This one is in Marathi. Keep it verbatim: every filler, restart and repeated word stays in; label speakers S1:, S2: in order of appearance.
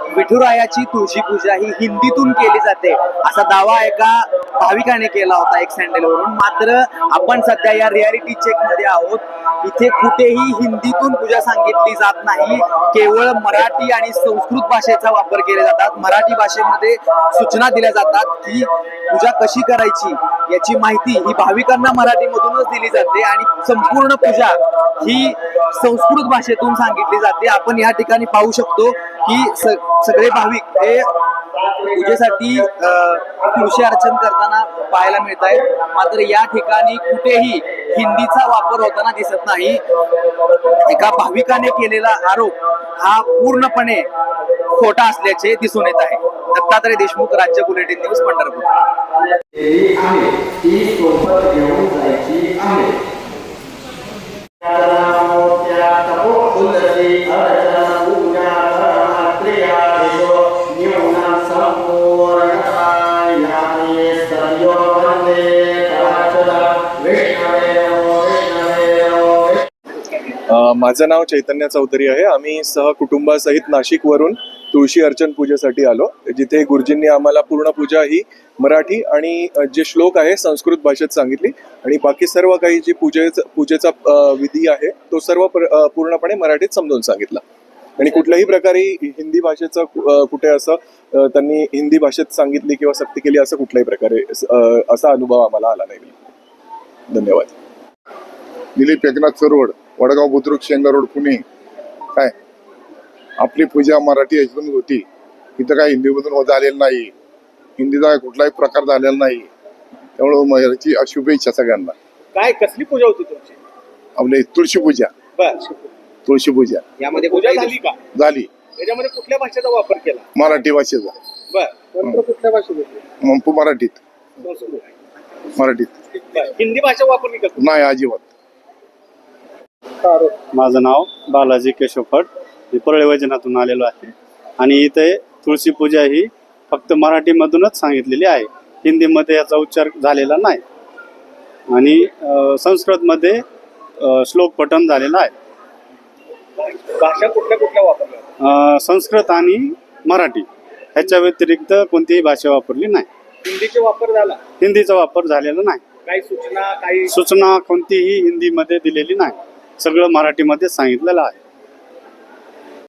S1: विठुरायाची तुळशी पूजा ही हिंदीतून केली जाते असा दावा एका भाविकाने केला होता एक सँडलवरून. मात्र आपण सध्या या रियालिटी चेक मध्ये आहोत. इथे कुठेही हिंदीतून पूजा सांगितली जात नाही, केवळ मराठी आणि संस्कृत भाषेचा वापर केले जातात. मराठी भाषेमध्ये सूचना दिल्या जातात की पूजा कशी करायची याची माहिती ही भाविकांना मराठीमधूनच दिली जाते आणि संपूर्ण पूजा ही संस्कृत भाषेतून सांगितली जाते. आपण या ठिकाणी पाहू शकतो की स सगळे भाविक हे पूजेसाठी तुळशी अर्चन करताना पाहायला मिळत आहेत. मात्र या ठिकाणी कुठेही हिंदीचा वापर होताना दिसत नाही. एका भाविकाने केलेला आरोप हा पूर्णपणे खोटा असल्याचे दिसून येत आहे. दत्तात्रय देशमुख, राज्य बुलेटिन न्यूज, पंढरपूर.
S2: माझं नाव चैतन्य चौधरी आहे. आम्ही सहकुटुंबासहित नाशिकवरून तुळशी अर्चन पूजेसाठी आलो, जिथे गुरुजींनी आम्हाला पूर्ण पूजा ही मराठी आणि जे श्लोक आहे संस्कृत भाषेत सांगितली आणि बाकी सर्व काही जी पूजेचा पूजेचा विधी आहे तो सर्व पूर्णपणे मराठीत समजून सांगितला. आणि कुठल्याही प्रकारे हिंदी भाषेचं कुठे असं त्यांनी हिंदी भाषेत सांगितली किंवा सक्ती केली असं कुठल्याही प्रकारे असा अनुभव आम्हाला आला नाही. धन्यवाद.
S3: दिलीप एकनाथ सरवड, वडगाव बुद्रुक, शेंगा रोड, पुणे. काय आपली पूजा मराठी याच्यातून होती, इथं काय हिंदीमधून झालेलं नाही. हिंदीचा कुठलाही प्रकार झालेला नाही. त्यामुळे याची शुभेच्छा सगळ्यांना.
S1: काय कसली पूजा होती तुमची?
S3: आपली तुळशी पूजा. तुळशी पूजा
S1: यामध्ये पूजा झाली का?
S3: झाली.
S1: याच्यामध्ये कुठल्या भाषेचा वापर केला?
S3: मराठी भाषेचा.
S1: बर, कुठल्या भाषेत?
S3: मराठीत. मराठीत.
S1: हिंदी भाषा वापरली का?
S3: नाही, अजिबात.
S4: माझं नाव बालाजी केशव फड, मी परळी वैजनाथून आलेलो आहे आणि इथे तुळशी पूजा ही फक्त मराठीमधूनच सांगितलेली आहे. हिंदीमध्ये याचा उच्चार झालेला नाही आणि संस्कृतमध्ये श्लोक पठण झालेला आहे.
S1: भाषा कुठल्या कुठल्या वापरल्या?
S4: संस्कृत आणि मराठी ह्याच्या व्यतिरिक्त कोणतीही भाषा वापरली नाही.
S1: हिंदीचा वापर झाला?
S4: हिंदीचा वापर झालेला नाही.
S1: काही सूचना काही
S4: सूचना कोणतीही हिंदीमध्ये दिलेली नाही. सगळं मराठीमध्ये सांगितलेलं आहे.